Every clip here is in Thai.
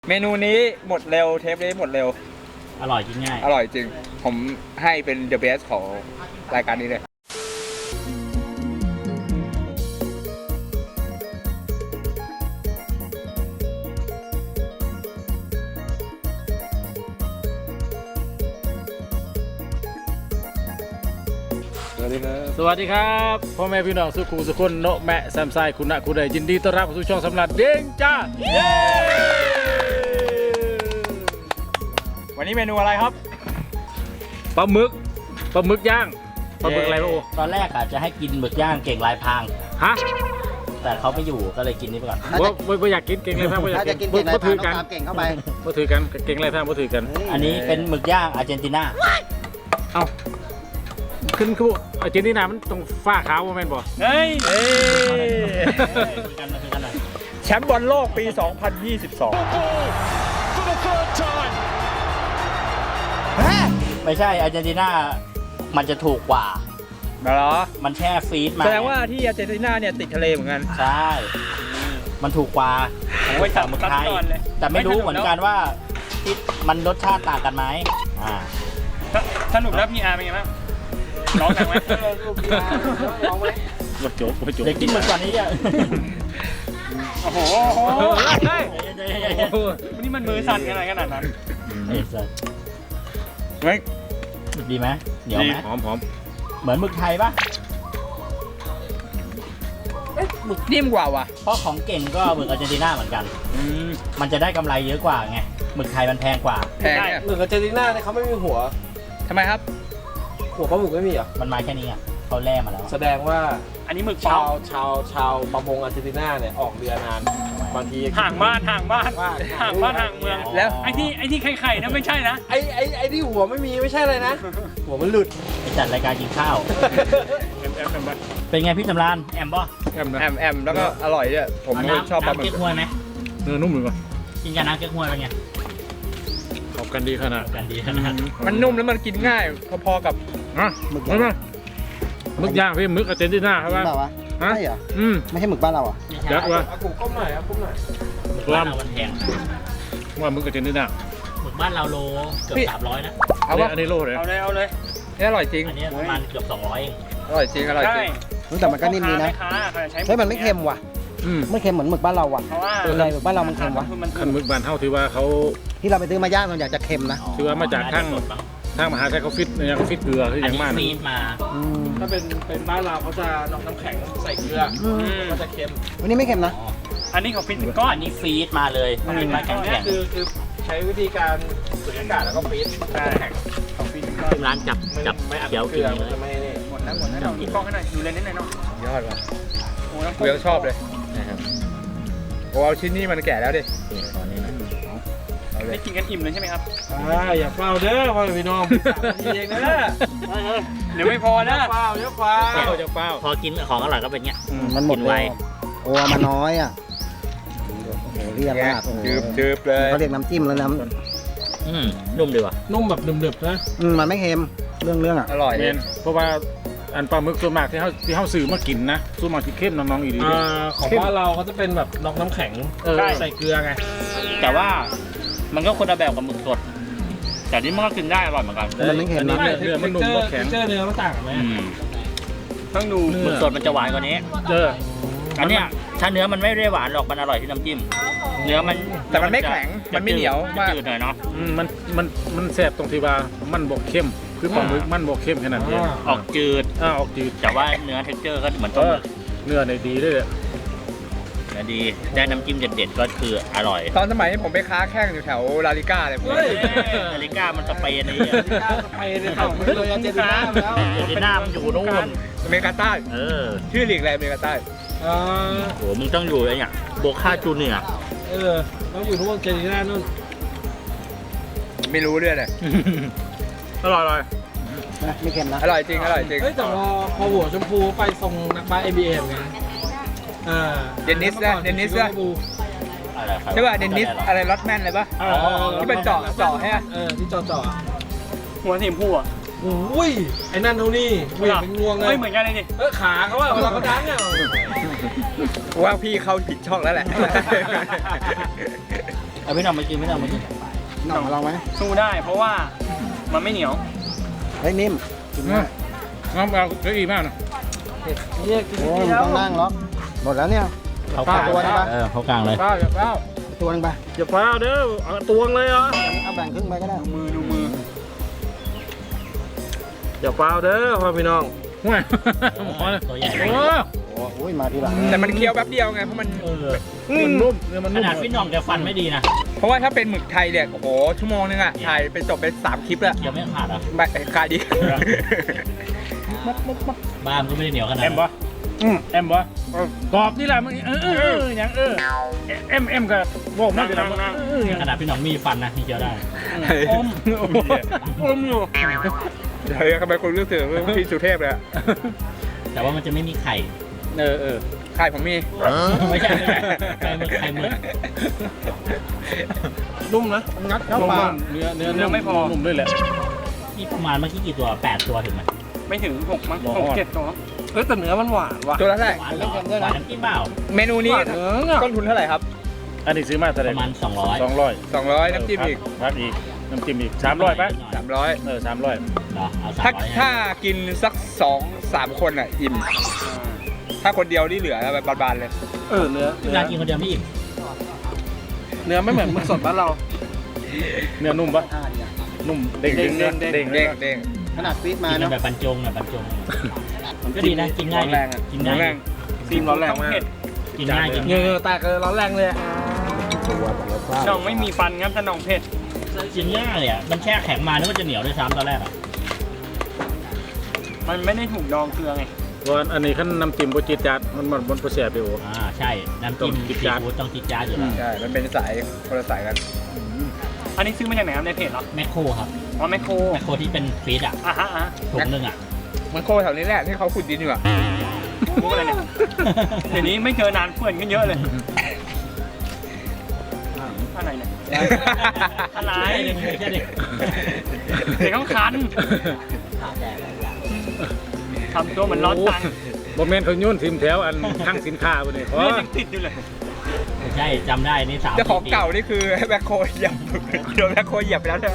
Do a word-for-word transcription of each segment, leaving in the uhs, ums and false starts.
เมนูนี้หมดเร็วเทปนี้หมดเร็วอร่อยกินง่ายอร่อยจริงผมให้เป็น the best ของรายการนี้เลยสวัสดีครับสวัสดีครับพ่อแม่พี่น้องสุขุสุคนโนแมะแซมไซคุณะคุณใดยินดีต้อนรับสู่ช่องสำหรับเด้งจ้าเย้วันนี้เมนูอะไรครับปลาหมึกปลาหมึกย่างปลาหมึกอะไรโอ้ตอนแรกอาจจะให้กินหมึกย่างเก่งลายพรางฮะแต่เขาไม่อยู่ก็เลยกินนี้ไปก่อนว่าว่าอยากกินเก่งอะไรพรางว่าอยากกินบ่ถือกันเก่งเข้าไปบ่ถือกันเก่งอะไรพรางบ่ถือกันอันนี้เป็นหมึกย่างอาร์เจนตินาเอ้าขึ้นคืออาร์เจนตินามันตรงฝ้าขาวโมเมนต์บ่เฮ้ยคุยกันคุยกันหน่อยแชมป์บอลโลกปีสองพันยี่สิบสองไม่ใช่อาร์เจนตินามันจะถูกกว่าเหรอมันแช่ฟรีซมาแสดงว่าที่อาร์เจนตินาเนี่ยติดทะเลเหมือนกันใช่มันถูกกว่าโอ้ยสั่งหมึกไทยแต่ไม่รู้เหมือนกันว่าที่มันรสชาติต่างกันไหมอ่าสนุกแล้วพี่อาร์เป็นไงบ้างร้องดังไหมร้องไหมวัดโจ๊กวัดโจ๊กเด็กกินเหมือนก่อนนี้อ่ะโอ้โหวันนี้มันมือสั่นกันอะไรขนาดนั้นไม่ดีไหมเหนียวไหมหอมหอมเหมือนหมึกไทยปะหมึกนิ่มกว่าว่ะเพราะของเก่งก็หมึกอาร์เจนตินาเหมือนกันมันจะได้กำไรเยอะกว่าไงหมึกไทยมันแพงกว่าแพงเนี่ยหมึกอาร์เจนตินาเนี่ยเขาไม่มีหัวทำไมครับหัวปลาหมึกไม่มีอ่ะมันมาแค่นี้อ่ะเขาแล่มาแล้วแสดงว่าอันนี้หมึกชาวชาวชาวประมงอาร์เจนตินาเนี่ยออกเรือนานบางทีห่างบ้านห่างบ้านห่างบ้านห่างเมืองแล้วไอ้ที่ไอ้ที่ไข่ๆนะไม่ใช่นะไอ้ไอ้ไอ้ที่หัวไม่มีไม่ใช่เลยนะหัวมันหลุดไปจัดรายการกินข้าวเป็นไงพี่สำรานแอมบ่แอมแอมแอมแล้วก็อร่อยด้วยผมชอบปลาหมึกเก๊กฮวยไหมเนื้อนุ่มหรือเปล่ากินกับน้ำเก๊กฮวยเป็นไงเข้ากันดีขนาดกันดีขนาดมันนุ่มแล้วมันกินง่ายพอๆกับอ่ะหมึกไหมหมึกย่างพี่หมึกอาร์เจนตินาครับว่าฮะใช่เหรออืมไม่ใช่หมึกบ้านเราอ่ะยักษ์วะเอากุ้งก้มหน่อยเอากุ้งหน่อยหมึกบ้านเรามันแพงว่าหมึกอาร์เจนตินาหมึกบ้านเราโลเกือบสามร้อยนะเอาวะอันนี้โลเลยเอาเลยเอาเลยนี่อร่อยจริงอันนี้ประมาณเกือบสองร้อยเองอร่อยจริงอร่อยจริงแต่มันก็นิ่มดีนะเฮ้ยมันไม่เค็มว่ะไม่เค็มเหมือนหมึกบ้านเราว่ะอะไรหมึกบ้านเรามันเค็มวะคันหมึกบ้านเท่าที่ว่าเขาที่เราไปซื้อมาย่างมันอยากจะเค็มนะที่ว่ามาจากทางทางมหาชัยเขาฟิตเนี่ยเขาฟิตเกลือที่อย่างมากฟีดมาถ้าเป็นเป็นบ้านเราเขาจะนอกน้ำแข็งใส่เกลือมันจะเค็มวันนี้ไม่เค็มนะอันนี้เขาฟิตเป็นก้อนอันนี้ฟีดมาเลยฟีดมาแข็งแข็งคือคือใช้วิธีการสูดอากาศแล้วก็ฟีดแข็งเขาฟีดร้านจับจับเขียวกินเลยหมดแล้วหมดแล้วกินกล้องให้หน่อยดูเลยนิดหน่อยเนาะยอดว่ะโอ้น้ำเกลือชอบเลยโอ้เอาชิ้นนี้มันแก่แล้วดิไม่กินกันอิ่มเลยใช่ไหมครับอย่าเฝ้าเด้อพ่อพี่น้องเองนะเดี๋ยวไม่พอนะเฝ้าเดี๋ยวเฝ้าจะเฝ้าพอกินของอร่อยก็เป็นเงี้ยมันหมดไวโอ้มันน้อยอ่ะโอ้โหเรียบมากจืบจืบเลยเขาเรียกน้ำจิ้มแล้วน้ำอืมนุ่มดีว่ะนุ่มแบบหนึบๆนะมันไม่เค็มเรื่องเรื่องอ่ะอร่อยเพราะว่าอันปลาหมึกส่วนมากที่เขาที่เขาซื้อมากินนะส่วนมากที่เข้มน้องๆอีกดีของบ้านเราเขาจะเป็นแบบนอกน้ำแข็งใส่เกลือไงแต่ว่ามันก็คนละแบบกับหมึกสดแต่นี่มันก็กินได้อร่อยเหมือนกันมันไม่เค็มนะเนื้อมันนุ่มก็แข็งเจอเนื้อมันต่างกันไหมต้องดูหมึกสดมันจะหวานกว่านี้เอออันเนี้ยถ้าเนื้อมันไม่ได้หวานหรอกมันอร่อยที่น้ำจิ้มเนื้อมันแต่มันไม่แข็งมันไม่เหนียวมากจืดหน่อยเนาะมันมันมันแซ่บตรงที่ว่ามันบกเข้มคือปลาหมึกมันบกเข้มขนาดนี้ออกจืดอ่าออกจืดแต่ว่าเนื้อเท็กเจอร์ก็เหมือนต้มเนื้อในดีด้วยเนื้อดีได้น้ำจิ้มเด็ดๆก็คืออร่อยตอนสมัยผมไปค้าแข่งอยู่แถวลาลิก้าเลยลาลิก้ามันสเปนนี่สเปนเนี่ยเขาเลยอาร์เจนตินาแล้วอาร์เจนตินามันอยู่นู่นอเมริกาใต้เออชื่อลีกอะไรอเมริกาใต้อ๋อโหมึงต้องอยู่อะไรอย่างโบคาจูเนียร์เออต้องอยู่นู่นอาร์เจนตินานู่นไม่รู้เรื่องเลยอร่อยอร่อยไม่เค็มนะอร่อยจริงอร่อยจริงเฮ้ยแต่พอพอหัวชมพูไปทรงนักบาส เอ็น บี เอ ไงอ่าเดนนิสนะเดนนิสนะใช่ป่ะเดนนิสอะไรล็อตแมนอะไรป่ะที่เป็นเจาะเจาะให้เออที่เจาะเจาะหัวสีชมพูอ่ะโอ้ยไอ้นั่นเท่านี้เหมือนเป็นงวงเลยไม่เหมือนกันเลยนี่เออขาเขาว่าเวลาเขาดังอ่ะว่าพี่เข้าผิดช่องแล้วแหละเอเอาพี่น้องมากินพี่น้องมากินหน่องมาลองไหมสู้ได้เพราะว่ามันไม่เหนียวเฮ้ยนิ่มกินได้น้ำเอาเยอะอีกมากนะโอ้ยมันต้องนั่งล็อกหมดแล้วเนี่ยเขากลางตัวนี้ปะเออเขากลางเลยเปล่าอย่าเปล่าตัวนึงไปอย่าเปล่าเด้อเอาตวงเลยเหรอเอาแบ่งครึ่งไปก็ได้ดูมือดูมืออย่าเปล่าเด้อพ่อพี่น้องห่วยตัวใหญ่โอ้โอ้ยมาทีหลังแต่มันเคี้ยวแป๊บเดียวไงเพราะมันเออมันนุ่มเนื้อมันขนุ่มนาดพี่น้องแกฟันไม่ดีนะเพราะว่าถ้าเป็นหมึกไทยเนี่ยโอ้โหชั่วโมงนึงอะถ่ายไปจบไปสามคลิปแล้วเคี้ยวไม่ขาดอ่ะไม่ขายดีบ้านก็ไม่ได้เหนียวขนาดแอนั้มนปะแอมปะกรอบนี่แหละมึงเออเออเอออย่างเออเอ็มเอ็มกับโว้นั่งกันนะเอออย่างขนาดพี่น้องมีฟันนะที่เคี้ยวได้อมอมอยู่เฮ้ยทำไมคุณรู้สึกว่าพี่สุเทพเลยอะแต่ว่ามันจะไม่มีไข่เออเออใช่ผมมีไม่ใช่ไม่ใช่ไข่หมึกไข่หมึกนุ่มนะงัดเข้าปากเนื้อเนื้อนุ่มด้วยแหละนี่ประมาณเมื่อกี้กี่ตัวแปดตัวถึงไหมไม่ถึงหกมั้งหรอหกเจ็ดตัวเอ้ยแต่เนื้อมันหวานว่ะตัวละเท่าไหร่หวานเหรอหวานน้ำจิ้มเปล่าเมนูนี้หวานเนื้อต้นทุนเท่าไหร่ครับอันนี้ซื้อมาเท่าไหปร่ระมาณสองร้อยสองร้อยสองร้อยน้ำจิ้มอีกพักอีกน้ำจิ้มอีกสามร้อยปะสามร้อยเออสามร้อยเหรอเอาสามถ้าร้อยถ้ากินสักสองสามคนอ่ะอิ่มถ้าคนเดียวนี่เหลือแบบบานๆเลยเออเนื้อเวลากินคนเดียวไม่อิ่มเนื้อไม่เหมือนมึกสดบ้านเรา เนื้อนุ่มปะนุ่มเด้งเด้งเด้งเด้งเด้งเด้งขนาดฟีดมากินกัเนาะนแบบบรรจงอ่ะบรรจงก็ดีนะกินง่ายร้อนแรงอะกินร้ง่าอนแรยงซีมร้อนแรงมากกินง่ายกินเนื้ง่ายอแตกเลยร้อนแรงเลยตัวแต่ละฟ้าน้องไม่มีฟันครับถ้าน้องเผ็ดกินง่ายอ่ะมันแช่แข็งมานึกว่าจะเหนียวด้วยซ้ำตอนแรกอ่ะมันไม่ได้ถูกดองเกลือไงส่วนอันนี้ขั้นน้ำจิ้มโบจิตจัดมันมันบนโปรเสียไปโอ้อ่าใช่น้ำจิ้มต้องจิ๊ซีดจ๊าดฟู้ดต้องจิ๊ดจ๊าดอยู่แล้วใช่ มันเป็นสายคนละสายกัน อันนี้ซื้อมาจากไหนครับในเพจเหรอแมคโครครับอ๋อแมคโครแมคโครที่เป็นฟีดอ่ะอ่ะฮะอ่ะถุงหนึงอ่ะมันโคแถวนี้แหละที่เขาขุดดินอยู่อะรู้อะไรเนี่ย เดี๋ยวนี้ไม่เจอนานเพื่อนกันเยอะเลย อะไรเนี่ย อะไรใช่ดิใช่ดิเด็กต้องคันทำตัวเหมือนร้อนตังค์โมเมนต์เขาโยนทีมแถวอันข้างสินค้าไปเลยเพราะเลือดยังติดอยู่เลยใช่จำได้นี่สามเจ้าของเก่านี่คือแบคโคเหยียบโดนแบคโคเหยียบไปแล้วใช่ไหม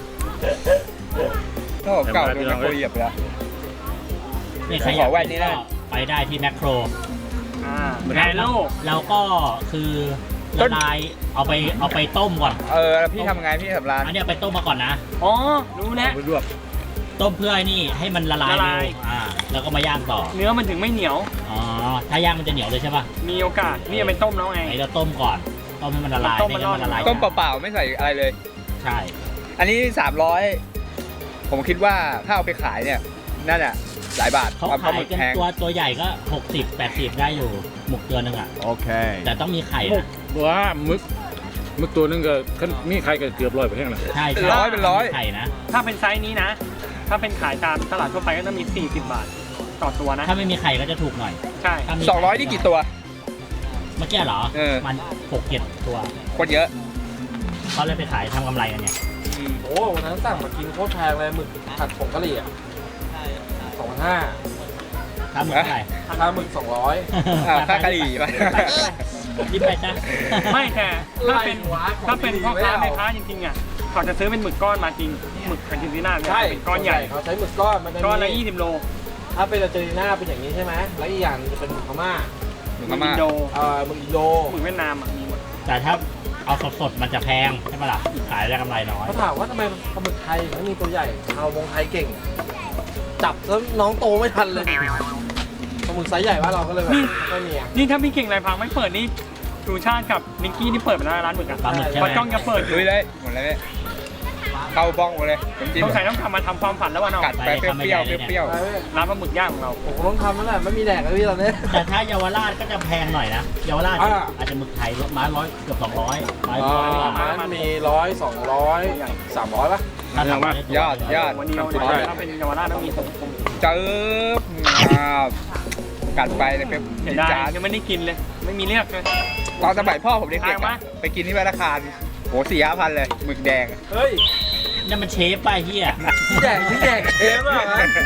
เจ้าของเก่าโดนแบคโคเหยียบไปแล้วนี่ใครอยากกินก็ไปได้ที่แมคโครอ่าแอนโลแล้วก็คือละลายเอาไปเอาไปต้มก่อนเออพี่ทำไงพี่สำราญอันนี้เอาไปต้มมาก่อนนะอ๋อ รู้แล้วไปรวบต้มเพื่อไอ้นี่ให้มันละลายละลายเร็วอ่าแล้วก็มาย่างต่อเนื้อมันถึงไม่เหนียวอ๋อถ้าย่างมันจะเหนียวเลยใช่ป่ะมีโอกาส นี่จะไปต้มแล้วไงไอ้เราต้มก่อนต้มให้มันละลายต้มไม่มันงั้นมันละลายต้มเปล่าๆไม่ใส่อะไรเลยใช่อันนี้สามร้อยผมคิดว่าถ้าเอาไปขายเนี่ยนั่นอ่ะหลายบาทเขาควขามหยมึกกันแพงตัวตัวใหญ่ก็หกสิบแปดสิบได้อยู่หมึกตัวหนึงอ่ะโอเคแต่ต้องมีไข่หมึนะกว่าหมึกหมึกตัวนึงก็ขั้นมีใครก็เกือบร้อยไปแห้งเลยใช่ใช่ร้อยเป็นร้อยมีไข่นะถ้าเป็นไซส์นี้นะ ถ้าเป็นขายตามตลาดทั่วไปก็ต้องมี สี่สิบบาท ต่อตัวนะถ้าไม่มีไข่ก็จะถูกหน่อยใช่ถ้ามีสองร้อยนี่กี่ตัวเมื่อกี้เหรอเออมันหกเจ็ดตัวคนเยอะเขาเลยไปขายทำกำไรกันเนี่ยโอ้วันนั้นสั่งมากินโคตรแพงเลยหมึกผัดผงกะหรี่อ่ะสองพันห้าถ้าหมึกเท่าไหร่ค่าหมึกสองร้อยอ่าค่ากะหรี่ไปยิ้มไปจ้ะไม่แต่ถ้าเป็นถ้าเป็นพ่อค้าแม่ค้าจริงๆอ่ะเขาจะซื้อเป็นหมึกก้อนมาจริงหมึกอาร์เจนตินาเนี่ยใช่เป็นก้อนใหญ่เขาใช้หมึกก้อนมันจะก้อนละมียี่สิบโลถ้าเป็นอาร์เจนตินาเป็นอย่างนี้ใช่ไหมแล้วอีกอย่างจะเป็นหมึกพม่าหมึกหพมึกม่าอินโดเอ่อหมึกอินโดหมึกเวียดนามอ่ะมีหมดแต่ถ้าเอาสดๆมันจะแพงใช่ไหมล่ะขายได้กำไรน้อยเขาถามว่าทำไมปลาหมึกไทยถึงไม่มีตัวใหญ่เอาวงไทยเก่ง จับแล้วน้องโตไม่ทันเลยปลาหมึกไซส์ใหญ่ว่าเราก็เลยแบบไม่มีอ่ะนี่ถ้าพี่เก่งไรพังไม่เปิดนี่ชูชาติกับนิกกี้นี่เปิดไปแล้วร้านหมึกอ่ะปลาหมึกใช่ไหเพมราะจ้องจะเปิดอยู่ลุยเลยหมดเลยเนี่ยเข้าบ้องหมดเลยน้ำจิ้มต้องใส่ต้องทำมาทำความฝันแล้วว่าน้องกักัดดไปไปเปรี้ยวๆเปรี้ยวไปเว้ยๆร้านปลาหมึกย่างของเราผมต้องทำนั่นแหละไม่มีแดกเลยพี่ตอนนี้แต่ถ้าเยาวราชก็จะแพงหน่อยนะเยาวราชอ่าอาจจะหมึกไทยรถม้าร้อยเกือบสองร้อยไม้อ่ร้อยกว่าามันมีร้อยสองร้อยสามร้อยป่ะถ้าทำได้ตัวยอดยอดวันนี้เราถ้าเป็นเยาวราชต้องมีตรงเจิบอ้าวกัดไปเลยเป็นเสียดายยังไม่ได้กินเลย ไม่มีเลือกเลยๆตอนสมัยพ่อผมเด็กทางๆมาอะไปกินที่ธนาคารโหสี่ห้าพันเลยหมึกแดงอะเฮ้ยนั่นมันเชฟป่ะเฮียที่แดกที่แดกเชฟอ่ะ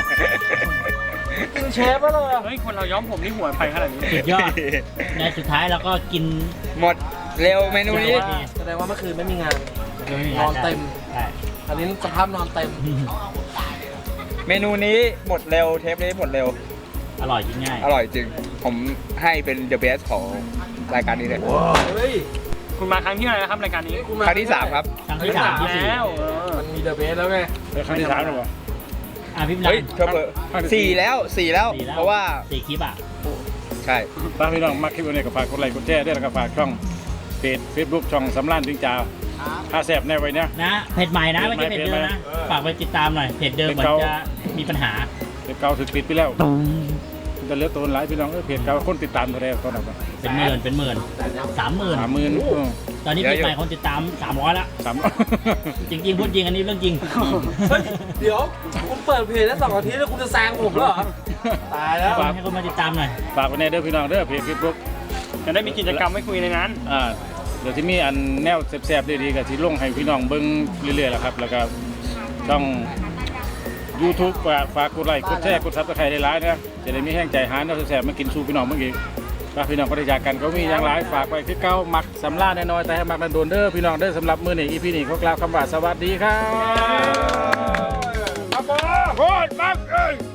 กินเชฟป่ะเลยเฮ้ยคนเราย้อมผมนี่หัวไปขนาดนี้สุดยอดในสุดท้ายเราก็กินหมดเร็วเมนูนี้แสดงว่าเมื่อคืนไม่มีงาน นอนเต็มใช่อันนี้สภาพนอนเต็มเมนูนี้หมดเร็วเทปนี้หมดเร็วอร่อยกินง่ายอร่อยจริง ผมให้เป็น the best ของรายการนี้เลยเฮ้ยคุณมาครั้งที่เท่าไหร่นะครับรายการนี้คุณมาครั้งที่สามครับครั้งที่สามที่สี่แล้วเออมันมีเดอะเบสแล้วไงเป็นครั้งที่สามหรือเปล่าอ่ะพี่นัเฮ้ยนเธอเบอร์สี่แล้วสี่แล้วสี่แล้วเพราะว่าสี่คลิปอ่ะใช่ถ้าพี่น้องมักคลิปนี้ก็ฝากกดไลค์กดแชร์ด้วยแล้วก็ฝากช่องเพจเฟซบุ๊กช่องสำรานถึงจ่าพาแสบแน่ไว้เนี่ยนะเพจใหม่นะไม่ใช่เพจเดิมนะ ฝากไปติดตามหน่อย เพจเดิมเหมือนจะมีปัญหาเพจเก่าถูกปิดไปแล้วจะเหลือตัวหลายพี่น้องเออเพจเก่าคนติดตามเท่าไหร่เขาหนักเป็นหมื่นเป็นหมื่นสามหมื่นสามหมื่นตอนนี้เพจใหม่คนติดตามสามร้อยละสามจริงๆพูดจริงอันนี้เรื่องจริงเฮ้ย เดี๋ยว คุณเปิดเพจได้สองอาทิตย์แล้วคุณจะแซงผมเหรอ ตายแล้วให้คนมาติดตามหน่อยฝากไว้ในเด้อพี่น้องเด้อเพจเฟซบุ๊กจะได้มีกิจกรรมให้คุยในนั้นอ่าเดี๋ยวที่มีอันแนวแซ่บๆดีๆก็ที่ลงให้พี่น้องเบิ่งเรื่อยๆแหละครับแล้วก็ช่อง YouTube ฝากฝากกดไลค์กดแชร์กดซับสไครต์ได้หลายนะจะได้มีแห้งใจหาแนวแซ่บๆมากินสู่พี่น้องเมื่อกี้ถ้าพี่น้องก็ได้จากกันก็มีอย่างหลายฝากไว้คือเก้ามักสำลาแน่นอนแต่ให้มักนันโดนเด้อพี่น้องเด้อสำหรับมื้อนี้ อี พี นี้ขอกล่าวคำว่าสวัสดีครับครับผมโคตรมักเอ้ย